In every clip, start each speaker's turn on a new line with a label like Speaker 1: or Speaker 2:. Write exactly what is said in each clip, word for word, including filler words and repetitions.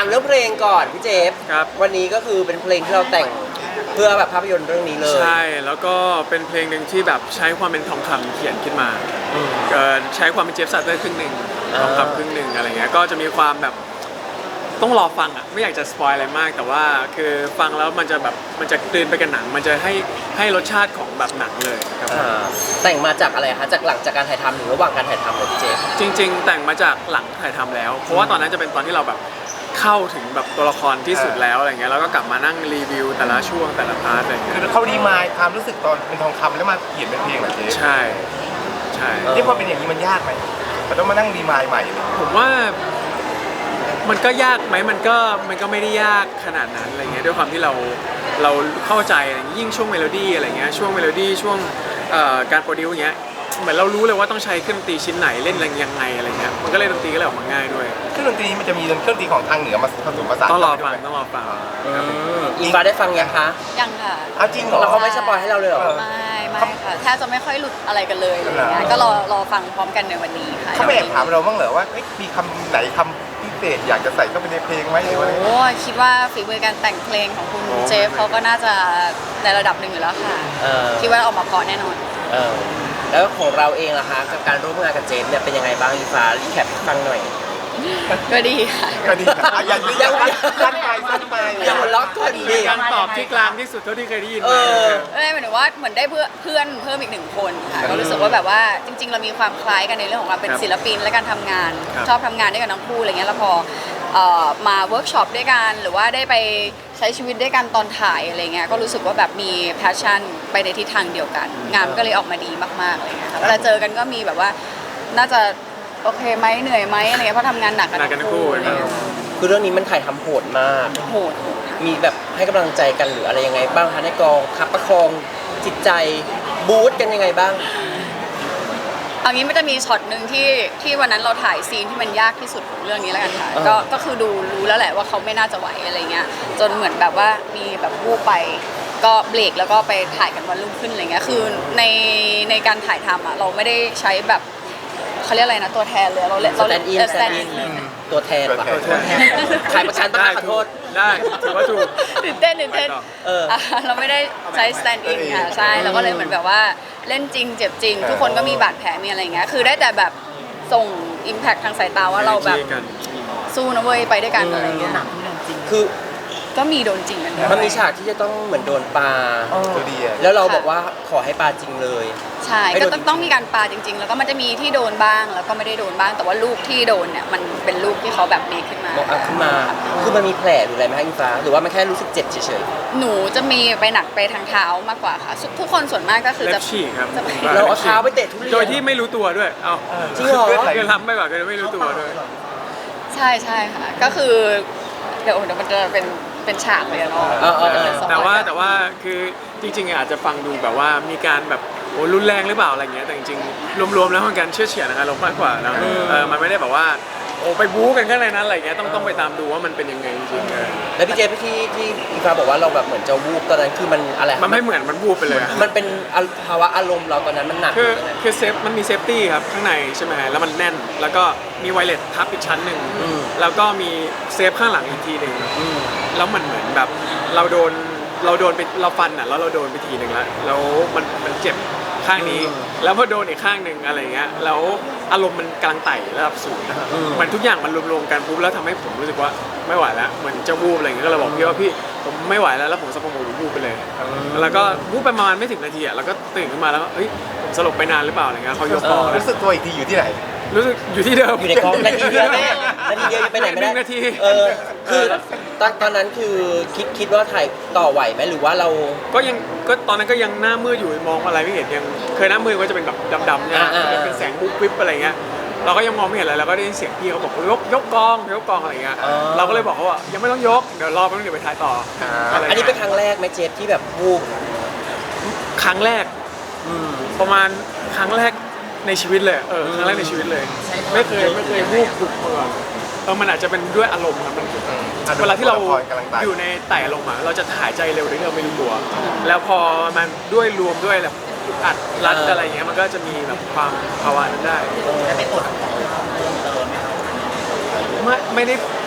Speaker 1: ามเรื่องเพลงก่อนพี่เจฟ
Speaker 2: ครับ
Speaker 1: วันนี้ก็คือเป็นเพลงที่เราแต่งเพื่อแบบภาพยนตร์เรื่องนี้เลย
Speaker 2: ใช่แล้วก็เป็นเพลงหนึ่งที่แบบใช้ความเป็นทองคำเขียนขึ้นมาเอ่อใช้ความเป็นเจฟสัตเตอร์ครึ่งหนึ่งทองคำครึ่งหนึ่งอะไรเงี้ยก็จะมีความแบบต้องรอฟังอ่ะไม่อยากจะสปอยอะไรมากแต่ว่าคือฟังแล้วมันจะแบบมันจะกลืนไปกับหนังมันจะให้ให้รสชาติของแบบหนังเลยครับ
Speaker 1: อ่าแต่งมาจากอะไรคะจากหลังจากการถ่ายทำหรือระหว่างการถ่ายทำเลยพี่เจฟ
Speaker 2: จริงๆ แต่งมาจากหลังถ่ายทำแล้ว เพราะว่าตอนนั้นจะเป็นตอนที่เราแบบเข้าถึงแบบตัวละครที่สุดแล้วอะไรเงี้ยแล้วก็กลับมานั่งรีวิวแต่ละช่วงแต่ละพาร์ทอะไรเงี้ย
Speaker 3: คือเขาดีมายความรู้สึกตอนเป็นทองคำแล้วมาเขียนเป็นเพลงเหรอเจ๊
Speaker 2: ใช่ใช่
Speaker 3: ที่พอเป็นอย่างนี้มันยากไหมมันต้องมานั่งดีมายใหม่เลย
Speaker 2: ผมว่ามันก็ยากไหมมันก็มันก็ไม่ได้ยากขนาดนั้นอะไรเงี้ยด้วยความที่เราเราเข้าใจอะไรเงี้ยยิ่งช่วงเมโลดี้อะไรเงี้ยช่วงเมโลดี้ช่วงเอ่อการโปรดิวอย่างเงี้ยเหมือนเรารู้เลยว่าต้องใช้เครื่องดนตรีชิ้นไหนเล่นอะไรยังไงอะไรเงี้ยมันก็เลยดนตรีก็เลยออกมาง่ายด้วย
Speaker 3: เครื่องดนตรีมันจะมีเครื่องดนตรีของทางเหนือมาผสมผสาน
Speaker 2: ต้องรอฟังต้องรอฟัง
Speaker 1: อืมอิงฟ้าได้ฟังยังคะ
Speaker 4: ยังค่ะ
Speaker 3: เอาจริงเหรอ
Speaker 1: แล้วเขาไม่สปอยให้เราเลยเหรอ
Speaker 4: ไม่ไม่ค่ะแทบจะไม่ค่อยหลุดอะไรกันเลยอะไรอย่างเงี้ยก็รอรอฟังพร้อมกันในวันนี้ค่ะ
Speaker 3: เขาไม่แอบถามเราบ้างเหรอว่าเอ้ยมีคำไหนคำพิเศษอยากจะใส่เข้าไปในเพลงไหมหรือว่าอะไร
Speaker 4: โอ้คิดว่าฝีมือการแต่งเพลงของคุณเจฟเขาก็น่าจะในระดับหนึ่งอยู่แล้วค่ะ
Speaker 1: เออ
Speaker 4: คิดว่าออกมาเพราะแน่นอน
Speaker 1: เออแล้วของเราเองล่ะคะกับการร่วมงานกับเจฟเนี่ยเป็นยังไงบ้างอิงฟ้ารีแคปให้ฟังหน่อย
Speaker 4: ก็ดีค่ะ
Speaker 3: ก็ดีนะอ่ะอย่างนี้
Speaker 1: ยัง
Speaker 3: สั้นไปสั้นไป
Speaker 1: ยังหัวเราะก่อนดี
Speaker 2: เป็นการตอบที่กลางที่สุดเท่าที่เคยได้ยิน
Speaker 1: เอ
Speaker 2: มา
Speaker 1: อ
Speaker 4: เอ้ยหมายถึงว่าเหมือนได้เพื่อนเพื่อนเพิ่มอีกหนึ่งคนค่ะก็รู้สึกว่าแบบว่าจริง ๆ เรามีความคล้ายกันในเรื่องของการเป็นศิลปินและการทำงาน ชอบทำงานด้วยกันทั้งคู่อะไรเงี้ยแล้วพอเอ่อมาเวิร์กช็อปด้วยกันหรือว่าได้ไปใช้ชีวิตด้วยกันตอนถ่ายอะไรเงี้ยก็รู้สึกว่าแบบมีแพชชั่นไปในทิศทางเดียวกัน งานมันก็เลยออกมาดีมากๆอะไรเงี้ยค่ะเวลาเจอกันก็มีแบบว่าน่าจะโอเคไหมเหนื่อยไหมอะไรเงี้ยเพราะทำงานหนักกัน
Speaker 2: หนักกันทั้งคู่
Speaker 4: อะไรเงี้ย
Speaker 1: คือเรื่องนี้มันถ่ายทำโหดมาก
Speaker 4: โหดโหดค่ะ
Speaker 1: มีแบบให้กำลังใจกันหรืออะไรยังไงบ้างคะในกองคับประคองจิตใจบู๊ดกันยังไงบ้าง
Speaker 4: เอางี้มันจะมีช็อตหนึ่งที่ที่วันนั้นเราถ่ายซีนที่มันยากที่สุดของเรื่องนี้แล้วกันค่ะ
Speaker 1: อ่า
Speaker 4: ก็ก็คือดูรู้แล้วแหละว่าเขาไม่น่าจะไหวอะไรเงี้ยจนเหมือนแบบว่ามีแบบวูบไป ก็เบรกแล้วก็ไปถ่ายกันวันรุ่งขึ้นอะไรเงี้ยคือในในการถ่ายทำอ่ะเราไม่ได้ใช้แบบเขาเรียกอะไรนะตัวแทนเลยเราเล่นเรา
Speaker 1: สแตนด์อิน
Speaker 4: เออ
Speaker 1: ส
Speaker 4: ส
Speaker 1: แต
Speaker 4: แต
Speaker 1: น
Speaker 4: น
Speaker 1: ด์
Speaker 4: ด์
Speaker 1: อิ
Speaker 4: อิ
Speaker 1: น
Speaker 4: น
Speaker 1: ตัวแทนปะ
Speaker 3: ตัวแทน
Speaker 1: ขายประกันต้อง
Speaker 2: ได้
Speaker 1: ขอโทษ
Speaker 2: ได้ถือว่าถูก
Speaker 4: ตื่นเต้นตื่นเต้น
Speaker 2: ไปต่อ
Speaker 1: เออ
Speaker 4: อ่ะเราไม่ได้ใช้ stand in ค่ะใช่เราก็เลยเหมือนแบบว่าเล่นจริงเจ็บจริง ทุกคนก็มีบาดแผลมีอะไรอย่างเงี้ยคือได้แต่แบบส่ง impact ทางสายตาว่าเราแบบ
Speaker 2: กัน
Speaker 4: สู้นะเว้ยไปด้วยกันอะไรเงี้ย
Speaker 1: คือ
Speaker 4: ก็มีโดนจริงกันด้วย
Speaker 1: มันมีฉากที่จะต้องเหมือนโดนปลา
Speaker 3: ตัวดีอะ
Speaker 1: แล้วเราบอกว่าขอให้ปลาจริงเลย
Speaker 4: ใช่
Speaker 1: ให้
Speaker 4: ก็
Speaker 1: โดน
Speaker 4: ต้องต้องมีการปาจริง ๆ แล้วก็มันจะมีที่โดนบ้างแล้วก็ไม่ได้โดนบ้าง แต่ว่าลูกที่โดนเนี่ยมันเป็นลูกที่เขาแบบเมคขึ้นมา
Speaker 1: บอกเอาขึ้นมา คือมันมีแผลหรืออะไรไหมคะอิงฟ้า หรือว่ามันแค่รู้สึกเจ็บเฉย
Speaker 4: หนูจะมีไปหนักไปทางเท้ามากกว่าค่ะทุกทุกคนส่วนมากก็คือ
Speaker 2: เล็
Speaker 4: จะ
Speaker 2: บฉีกครับ
Speaker 4: จะไป
Speaker 1: ๆ เราเอาเท้าไปเตะทุเรียน
Speaker 2: โดยที่ไม่รู้ตัวด้วย เอ้า
Speaker 1: จริงเหรอ
Speaker 2: เกินล้ำไปกว่าเกินไม่รู้ตัวด้วย
Speaker 4: ใช่ใช่ค่ะ ก็คือเดี๋ยวเดี๋ยวมันจะเป็นเป็นฉากเลยอะเนาะ
Speaker 1: เออเออเออ
Speaker 4: สปอยล์
Speaker 2: แต่ว่า
Speaker 4: กัน
Speaker 2: แต่ว่าคือจริงๆอาจจะฟังดูแบบว่ามีการแบบโอ้รุนแรงหรือเปล่าอะไรเงี้ยแต่จริงๆรวมๆแล้วมันการเชื่อเฉียดอารมณ์มากกว่านะเออมันไม่ได้แบบว่าโอ้ไปบู๊กันข้างในนั้นอะไรเงี้ยต้องต้องไปตามดูว่ามันเป็นยังไงจริงๆเออ
Speaker 1: แล้วพี่เจที่ที่อิงฟ้าบอกว่าเราแบบเหมือนจะวูบตอนนั้นคือมันอะไร
Speaker 2: มันไม่เหมือนมันบู๊ไปเลยอะ
Speaker 1: มันเป็นภาวะอารมณ์เราตอนนั้นมันหนัก
Speaker 2: คือ
Speaker 1: หรืยังไง
Speaker 2: คือเซฟมันมีเซฟตี้ครับข้างในใช่ไหมแล้วมันแน่น แล้วก็มีไวเลสทับอีกชั้นหนึ่ง
Speaker 1: อืม
Speaker 2: แล้วก็มีเซฟข้างหลังอีกทีหนึ่ง
Speaker 1: อืม
Speaker 2: แล้วมันเหมือนแบบเราโดนเราโดนไปเราฟันอ่ะแล้วเราโดนไปทีหนึ่งแล้วแล้วมันมันเจ็บข้างนี้ แล้วพอโดนอีกข้างหนึ่งอะไรเงี้ยแล้วอารมณ์มันกำลังไต่ระดับสูงนะครับมันทุกอย่างมันรวมๆกันปุ๊บแล้วทำให้ผมรู้สึกว่าไม่ไหวแล้วเหมือนจะวูบอะไรเงี้ยก็เลยบอกพี่ว่าพี่ผมไม่ไหวแล้วแล้วผมสะโพกผมวูบไปเลย แล้วก็วูบไปประมาณไม่ถึงนาทีอ่ะแล้วก็ตื่นขึ้นมาแล้วก็เฮ้ยผมสลบไปนานหรือเปล่าอะไรเงี้ยเขายกคอ
Speaker 3: รู้สึกตัวอีกทีอยู่ที่ไหน
Speaker 2: รู้สึกอยู่ที่เดิม
Speaker 1: อยู่ในกองนาทีเดียวแม่นาทีเดียวยังไปไหนไม่ได้
Speaker 2: หนึ่งนาที
Speaker 1: เออคือตอนตอนนั้นคือคิดคิดว่าถ่ายต่อไหวไหมหรือว่าเรา
Speaker 2: ก็ยังก็ตอนนั้นก็ยังหน้ามืดอยู่มองอะไรไม่เห็นยังเคยหน้ามืดก็จะเป็นแบบดำๆเนี่ย
Speaker 1: อ่าๆ
Speaker 2: เป็นแสงบุ๊บวิบอะไรเงี้ยเราก็ยังมองไม่เห็นอะไรเราก็ได้ยินเสียงพี่เขาบอกยกยกกองยกกองอะไรเงี้ยเราก็เลยบอกเขาว่ายังไม่ต้องยกเดี๋ยวรอแป๊บนึงเดี๋ยวไปถ่ายต่ออะไร
Speaker 1: อันนี้เป็น
Speaker 2: งี้ย
Speaker 1: ครั้งแรกไหมเจฟที่แบบวูบ
Speaker 2: ครั้งแรก
Speaker 1: อืม
Speaker 2: ประมาณครั้งแรกในชีวิตเลยเออครั้งแรกในชีวิตเลย ไม่เคยไม่เคยวูบบุกมาก่อนเออมันอาจจะเป็นด้วยอารมณ์ครับมันเวลาที่เราอยู่ในไต่อารมณ์อะเราจะหายใจเร็วโดยที่เราไม่รู้ตัว แล้วพอมันด้วยรวมด้วยแบบอัดรัดอะไรเงี้ยมันก็จะมีแบบความภาวะนั้นได้ไม่ไม่ได้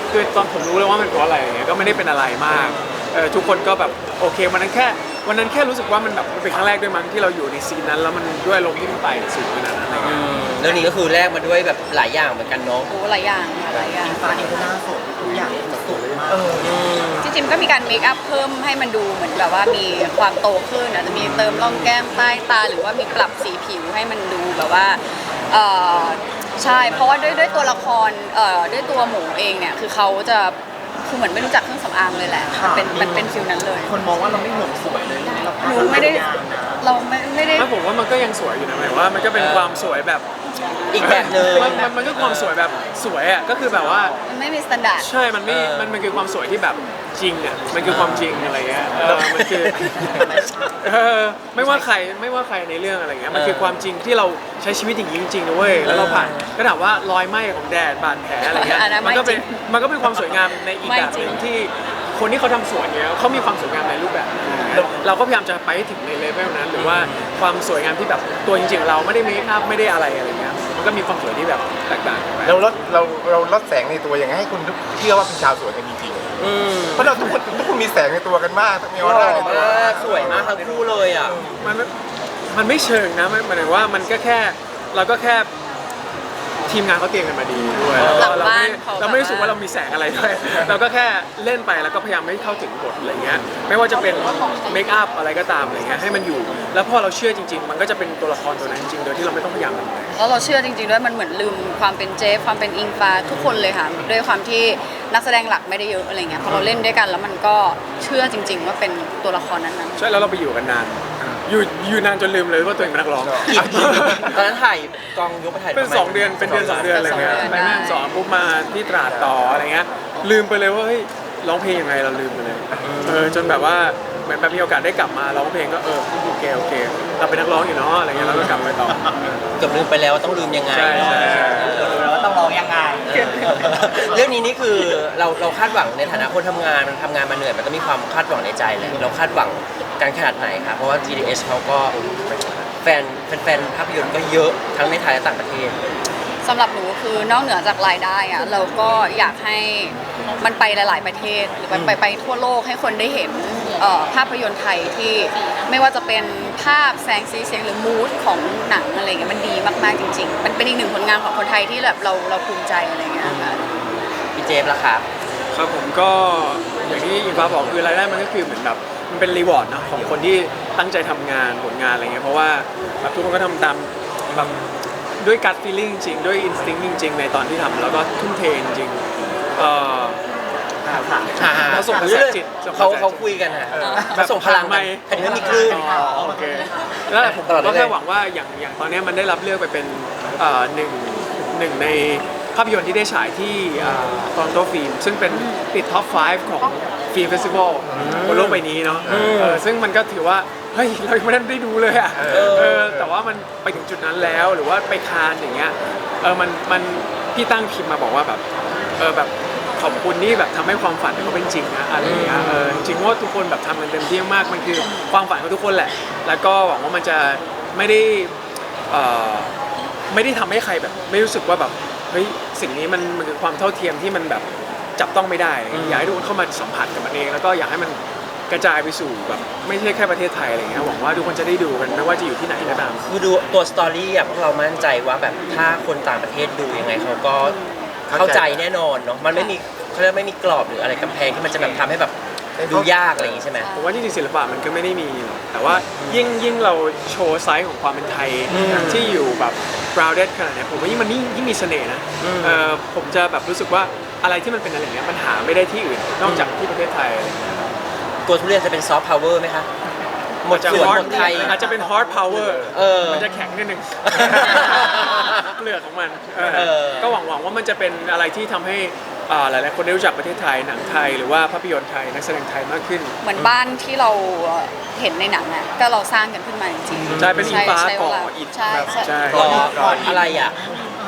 Speaker 2: คือตอนผมรู้เลยว่ามันเพราะอะไรอย่างเงี้ยก็ไม่ได้เป็นอะไรมากเออทุกคนก็แบบโอเควันนั้นแค่วันนั้นแค่รู้สึกว่ามันแบบมันเป็นครั้งแรกด้วยมั้งที่เราอยู่ในซีนนั้นแล้วมันด้วยอารมณ์ที่มันไปสูงขนาดนั้นอะไร
Speaker 1: อื
Speaker 2: เงี้ย
Speaker 1: มเรื่องนี้ก็คือแลกมาด้วยแบบหลายอย่างเหมือนกันเนาะ
Speaker 4: โอ้หลายอย่างค่ะหลายอย่าง
Speaker 5: ฟ้าเองก็น่าสดทุกอย่างสวยมาก
Speaker 1: อืม
Speaker 4: จริงๆก็มีการเมคอัพเพิ่มให้มันดูเหมือนแบบว่ามีความโตขึ้นอาจจะมีเติมร่องแก้มใต้ตาหรือว่ามีปรับสีผิวให้มันดูแบบว่าเออใช่เพราะว่าด้วยด้วยตัวละครเอ่อด้วยตัวหมูเองเนี่ยคือเขาจะคือเหมือนไม่รู้จักเครื่องสำอางเลยแหละมันเป็นมันเป็นฟิลนั้นเลย
Speaker 5: คนมองว่าเราไม่ห่วงสวยเลยเรา
Speaker 4: หนูไม่ได้เราไม่ไม่ได้
Speaker 2: ไม่ผมว่ามันก็ยังสวยอยู่นะหมายว่ามันก็เป็นความสวยแบบ
Speaker 1: อีกแบบหนึ่ง
Speaker 2: มันมันมันก็ความสวยแบบสวยอ่ะก็คือแบบว่า
Speaker 4: มันไม่มีมาตรฐาน
Speaker 2: ใช่ มันไม่
Speaker 1: เออ
Speaker 2: มันมันคือความสวยที่แบบจริงอ่ะ มันคือความจริงอะไรเงี้ย เออ มันคือ เออ ไม่ว่าใคร ไม่ว่าใครในเรื่องอะไรเงี้ย มันคือความจริงที่เราใช้ชีวิตอย่างนี้จริงๆนะเว้ย แล้วเราผ่านก็ถามว่ารอยไหม้ของแดดบาดแผลอะไรเงี้ย
Speaker 4: อันนั้น
Speaker 2: มันก็เป็น
Speaker 4: ไม่จริง
Speaker 2: มันก็เป็นความสวยงามในอีก
Speaker 4: ไม่
Speaker 2: แบบห
Speaker 4: จริ
Speaker 2: นึ
Speaker 4: ง
Speaker 2: งที่คนที่เขาทำสวนเนี้ยเขามีความสวยงามในรูปแบบหนึ่งเราก็พยายามจะไปให้ถึงในเลเวลนั้น หรือว่าความสวยงามที่แบบตัวจริงๆเราไม่ได้เมคอัพไม่ได้อะไรอะไรเงี้ย มันก็มีความสวยที่แบบแตกต่างกันไป
Speaker 3: เราลดเราเราลดแสงในตัวยังไงให้คุณเชื่อว่าเป็นชาวสวนกันจริง
Speaker 1: อืม
Speaker 3: ๆเพราะเราทุกคนทุกคนมีแสงในตัวกันมากมีอ
Speaker 1: ห
Speaker 3: อ
Speaker 1: ล่
Speaker 3: ร่า
Speaker 1: อ
Speaker 3: ในตัว
Speaker 1: มากสวยมากทั้งคู่เลยอ่ะ
Speaker 2: มันไม่มันไม่เชิงนะมันหมายถึงว่ามันก็แค่เราก็แค่ทีมงานเขาเตรียมกันมาดีด้วย
Speaker 1: เออ
Speaker 2: แล้วก็เราไม่
Speaker 4: หลังบ้านเขา
Speaker 2: เราไม่รู้สึกว่าเรามีแสงอะไรด้วย เราก็แค่เล่นไปแล้วก็พยายามไม่เข้าถึงบทอะไรเงี้ยไม่ว่าจะเป็นเมคอัพอะไรก็ตามอะไรเงี้ยให้มันอยู่ แล้วพอเราเชื่อจริง ๆ มันก็จะเป็นตัวละครตัวนั้นจริงๆโดยที่เราไม่ต้องพยายามทำอะไร
Speaker 4: แล้วเราเชื่อจริงๆด้วยมันเหมือนลืมความเป็นเจฟความเป็นอิงฟ้าทุกคนเลยค่ะด้วยความที่นักแสดงหลักไม่ได้เยอะอะไรเงี้ยพอเราเล่นด้วยกันแล้วมันก็เชื่อจริง ๆ ว่าเป็นตัวละครนั้น
Speaker 2: ใช่แล้วเราไปอยู่กันนานอยู่อยู่นานจนลืมเลยว่าตัวเองเป็นนักร้อง
Speaker 1: กี่กี่ตอนนั้นถ่ายกองยกไปถ่าย
Speaker 2: เป็น
Speaker 1: ประมาณ
Speaker 2: สองเดือนเป็นเดือนสองเดือนอะไรเงี้ย
Speaker 4: สองเดือน
Speaker 2: ไปแม่ฮ่องสอนปุ๊บมาที่ตราดต่ออะไรเงี้ยลืมไปเลยว่าเฮ้ยร้องเพลงยังไงเราลืมไปเลยเออจนแบบว่าเหมือนแบบมีโอกาสได้กลับมาร้องเพลงก็เออโอเคโอเคเราเป็นนักร้องอยู่เนาะอะไรเงี้ยเราก็กลับไปต่อ
Speaker 1: เกือบลืมไปแล้วว่าต้องลืมยังไง
Speaker 2: ใช่ใช่ใช่
Speaker 5: แล้วว่าต้องร้องยังไง
Speaker 1: เออเรื่องนี้นี่คือเราเราคาดหวังในฐานะคนทำงานมันทำงานมาเหนื่อยมันก็มีความคาดหวังในใจแหละเราคาดหวังกันขนาดไหนครับเพราะว่า จี ดี เอส เขาก็แฟนแฟนๆภาพยนตร์ก็เยอะทั้งในไทยและต่างประเทศ
Speaker 4: ๆสำหรับหนูคือนอกเหนือจากรายได้อะเราก็อยากให้มันไปหลายๆประเทศหรือไปไปไปทั่วโลกให้คนได้เห็นเอ่อภาพยนตร์ไทยที่ไม่ว่าจะเป็นภาพแสงสีเสียงหรือมูดของหนังอะไรเงี้ยมันดีมากๆจริงๆมันเป็นอีกหนึ่งผลงานของคนไทยที่แบบเราเราภูมิใจอะไรเงี้ยค่ะ
Speaker 1: พี่เจฟล่ะครับ
Speaker 2: ครับผมก็อย่างที่อิงฟ้าบอกคือรายได้มันก็คือเหมือนแบบมันเป็นรีวอร์ดนะของคนที่ตั้งใจทำงานผลงานอะไรเงี้ยเพราะว่าแบบทุกคนก็ทำตามแบบด้วยการ feeling จริงๆด้วย instinct จริงๆในตอนที่ทำแล้วก็ทุ่มเทจริงๆเออ เขาส่งกระแสจิตส่งกระแส
Speaker 1: เขา
Speaker 2: จิต
Speaker 1: เขาคุยกันฮะ
Speaker 2: เออ
Speaker 1: เขาส่งพลัง
Speaker 2: ไม่
Speaker 1: กันแผ่นดินมีคลื่น
Speaker 2: อ๋อโอเคแล้วผม
Speaker 1: ตลอด
Speaker 2: ก็
Speaker 1: เลย
Speaker 2: แค่หวังว่าอย่างอย่างตอนนี้มันได้รับเลือกไปเป็นเอ่อหนึ่งหนึ่งในภาพยนตร์ที่ได้ฉายที่ตอนโตฟิล์มซึ่งเป็นติดท็อปไฟว์ของฟิล์มเฟสติวัลบนโลกใบนี้เนาะเออซึ่งมันก็ถือว่าเฮ้ยเรายังไม่ได้ดูเลยอ่ะเออแต่ว่ามันไปถึงจุดนั้นแล้วหรือว่าไปคานอย่างเงี้ยเออมันมันพี่ตั้งพิมพ์มาบอกว่าแบบเออแบบขอบคุณที่แบบทำให้ความฝันเขาเป็นจริงนะอะไรอย่างเงี้ยเออจริงๆว่าทุกคนแบบทำกันเต็มที่มากมันคือความฝันของทุกคนแหละ แล้วก็หวังว่ามันจะไม่ได้เอ่อไม่ได้ทำให้ใครแบบไม่รู้สึกว่าแบบเฮ้ยสิ่งนี้มันมันคือความเท่าเทียมที่มันแบบจับต้องไม่ได้อยากให้ทุกคนเข้ามาสัมผัสกับมันเองแล้วก็อยากให้มันกระจายไปสู่แบบไม่ใช่แค่ประเทศไทยอะไรเงี้ยหวังว่าทุกคนจะได้ดูกันไม่ว่าจะอยู่ที่ไหนก็ตาม
Speaker 1: คือดูตัวสตอรี่อ่ะพวกเรามั่นใจว่าแบบถ้าคนต่างประเทศดูยังไงเขาก็เข้าใจแน่นอนเนาะมันไม่มีเขาเรียกไม่มีกรอบหรืออะไรกำแพงที่มันจะแบบทำให้แบบดูยากอะไรอย่างงี้ใช่ไหม
Speaker 2: ผมว่าจริงๆศิลปะมันก็ไม่ได้มีหรอกแต่ว่ายิ่งยิ่งเราโชว์ไซส์ของความเป็นไทย
Speaker 1: อืม
Speaker 2: ที่อยู่แบบ grounded ขนาดเนี้ยผมว่ายิ่งมันยิ่งยิ่งมีเสน่ห์นะ
Speaker 1: อืม
Speaker 2: เออผมจะแบบรู้สึกว่าอะไรที่มันเป็นอะไรอย่างเงี้ยมันหาไม่ได้ที่อื่นนอกจากที่ประเทศไทยอะไรอย่างเงี้ย
Speaker 1: ตัวทุเรียนจะเป็นซอฟต์พาวเวอร์ไหมคะหมด
Speaker 2: จะ
Speaker 1: สวน
Speaker 2: hard
Speaker 1: หมดไทย
Speaker 2: อาจจะเป็น hard power
Speaker 1: เออ
Speaker 2: มันจะแข็งนิดนึง เปลือกของมันเออ
Speaker 1: เออ
Speaker 2: ก็หวังหวังว่ามันจะเป็นอะไรที่ทำให้อ่าหลายๆคนได้รู้จักประเทศไทยหนังไทยหรือว่าภาพยนตร์ไทยนักแสดงไทยมากขึ้น
Speaker 4: เหมือนบ้านที่เราเห็นในหนังอ่ะก็เราสร้างกันขึ้นมาจริงๆ
Speaker 2: ใช่เป็นอิงฟ้า
Speaker 4: ใช่
Speaker 2: ก่อ
Speaker 4: ใช่
Speaker 2: อิฐ
Speaker 4: ใช่ใช่
Speaker 2: ใช่
Speaker 1: รออะไรอ่ะ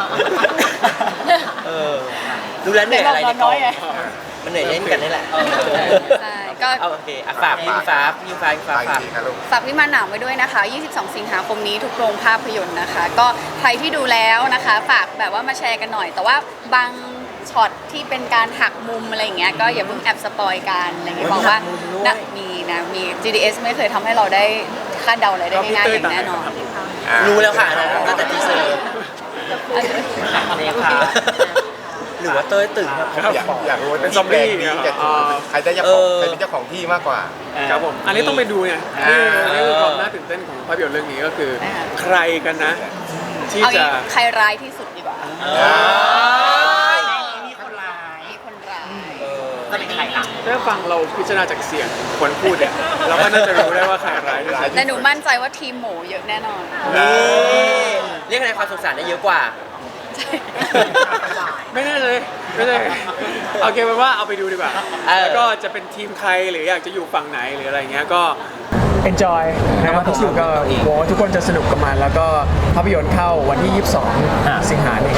Speaker 1: เออดูแลวเหนื่อยอะไรในกองมันเหนื่อยเล่นกันนี่แหละ
Speaker 4: ใช่ก็
Speaker 1: เอาโอเคอ่ะฝากพี่ฟ้าพี่ฟ้าพี่ฟ้า
Speaker 3: ไป
Speaker 1: ฝาก
Speaker 3: จริงครับลูก
Speaker 4: ฝากวิมานหนาวไว้ด้วยนะคะ ยี่สิบสอง สิงหาคมนี้ทุกโรงภาพยนตร์นะคะ ก็ใครที่ดูแล้วนะคะ ฝากแบบว่ามาแชร์กันหน่อย แต่ว่าบางช็อตที่เป็นการหักมุมอะไรอย่างเงี้ยก็อย่าเพิ่งแอบสปอยกันอะไรอย่างเงี้ยบอกว่านะมีนะมี จี ดี เอส ไม่เคยทำให้เราได้คาดเดาอะไรได้ง่ายๆอย่างแน่นอน
Speaker 1: รู้แล้วค่ะตั้งแต่ทีเซอร์
Speaker 5: เนี่ยค่ะ
Speaker 1: หรือว่าเต้ยตื่นมา
Speaker 3: อยากอยากรู้ว่า
Speaker 2: เป็นซอมบี้
Speaker 3: ที่แบรนด์นี้จะ
Speaker 2: อ่า
Speaker 3: ใครได้เจ้าของใครเป็นเจ้าของที่มากกว่า
Speaker 2: ครับผมอันนี้ต้องไปดูไงนี่นี่คือความน่าตื่นเต้นของภาพยนตร์เรื่องนี้ก็คือ ใครกันนะ ที่
Speaker 4: เอา
Speaker 2: จะ
Speaker 4: งี้ใครร้ายที่สุดดีกว่า
Speaker 5: มีคนร้าย
Speaker 4: มีคนร้าย
Speaker 5: จะเป็นใครล่ะ
Speaker 2: ถ้าฟังเราพิจารณาจากเสียงคนพูดเนี่ยเราก็น่าจะรู้ได้ว่าใครร้ายที่สุด
Speaker 4: แต่หนูมั่นใจว่าทีมหมูเยอะแน่นอน
Speaker 1: นี่เรียกคะแนนความสงสารได้เยอะกว่า
Speaker 2: ไม่ได้เลยไม่ได้โอเคเป็นว่าเอาไปดูดีกว่า
Speaker 1: เออ
Speaker 2: แล้วก็จะเป็นทีมใครหรืออยากจะอยู่ฝั่งไหนหรืออะไรเงี้ยก็ enjoy นะครับผมก็หวังว่าทุกคนจะสนุกกับมันแล้วก็ภาพยนตร์เข้าวันที่ ยี่สิบสอง สิงหาคม